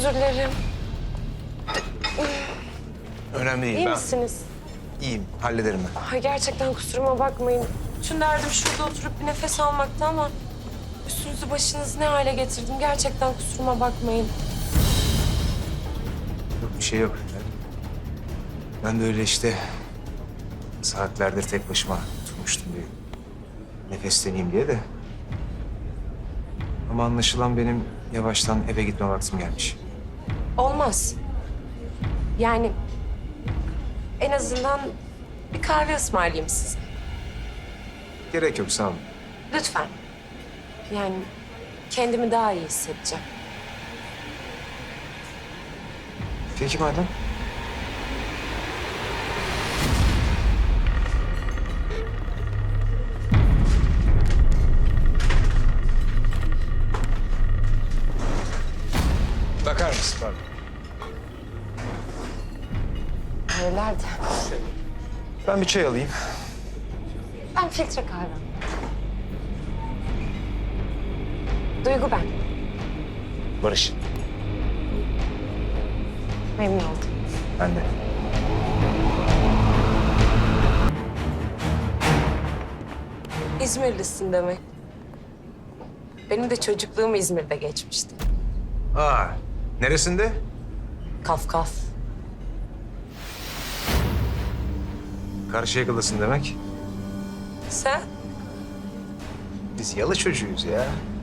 özür dilerim. Önemli değil. İyi misiniz? İyiyim. Hallederim ben. Ay gerçekten kusuruma bakmayın. Bütün derdim şurada oturup bir nefes almaktı ama... ...üstünüzü başınızı ne hale getirdim. Gerçekten kusuruma bakmayın. Yok bir şey yok. Ben de öyle işte saatlerdir tek başıma oturmuştum bir nefesleneyim diye de. Ama anlaşılan benim yavaştan eve gitme vaktim gelmiş. Olmaz. Yani en azından bir kahve ısmarlayayım size. Gerek yok, sağ olun. Lütfen. Yani kendimi daha iyi hissedeceğim. Peki madem. Bakar mısın? Pardon. Nerelerde? Ben bir çay alayım. Ben filtre kahve. Duygu ben. Barış. Memnun oldum. Ben de. İzmirlisin demek. Benim de çocukluğum İzmir'de geçmişti. Aa, neresinde? Kafkas. Karşıyaka'dasın demek. Sen? Biz yalı çocuğuyuz ya.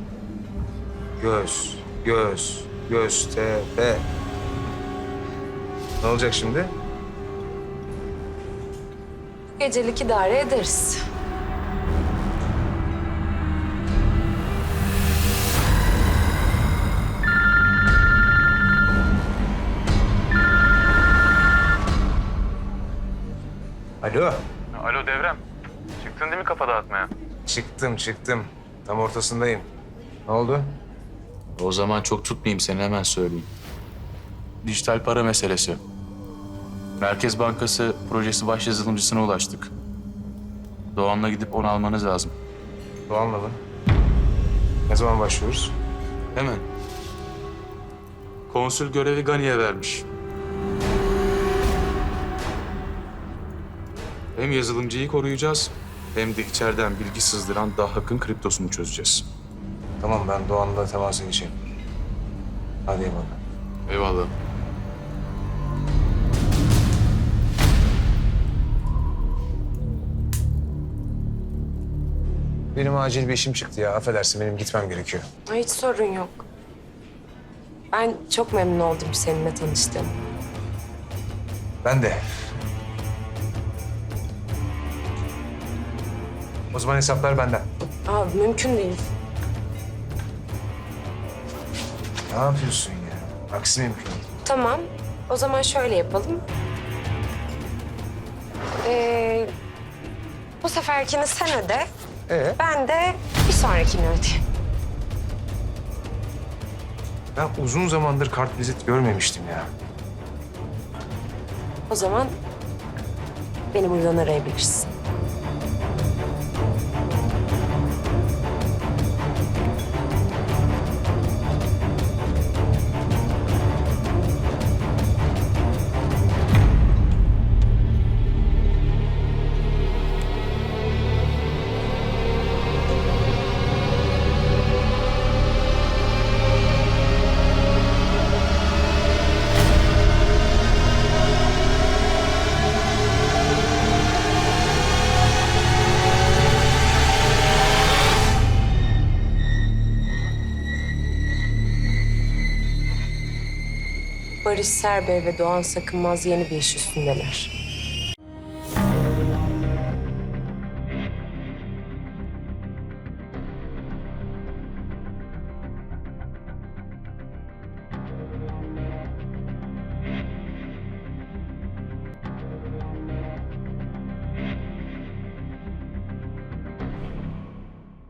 Göztepe. Ne olacak şimdi? Bu gecelik idare ederiz. Alo. Alo Devrem. Çıktın değil mi kafa dağıtmaya? Çıktım. Tam ortasındayım. Ne oldu? O zaman çok tutmayayım seni hemen söyleyeyim. Dijital para meselesi. Merkez Bankası projesi baş yazılımcısına ulaştık. Doğan'la gidip onu almanız lazım. Doğan'la mı? Ne zaman başlıyoruz? Hemen. Konsül görevi Gani'ye vermiş. Hem yazılımcıyı koruyacağız hem de içeriden bilgi sızdıran Dahak'ın kriptosunu çözeceğiz. Tamam, ben Doğan'la temasa geçeyim. Hadi eyvallah. Eyvallah. Benim acil bir işim çıktı ya. Affedersin, benim gitmem gerekiyor. Ay, hiç sorun yok. Ben çok memnun oldum seninle tanıştığım. Ben de. O zaman hesaplar benden. Aa, mümkün değil. Ne yapıyorsun ya? Aksi mümkün değil. Tamam. O zaman şöyle yapalım. Bu seferkini sen öde. Ben de bir sonrakini ödeyeyim. Ben uzun zamandır kartvizit görmemiştim ya. O zaman beni buradan arayabilirsin. Barış Serbey ve Doğan Sakınmaz yeni bir iş üstündeler.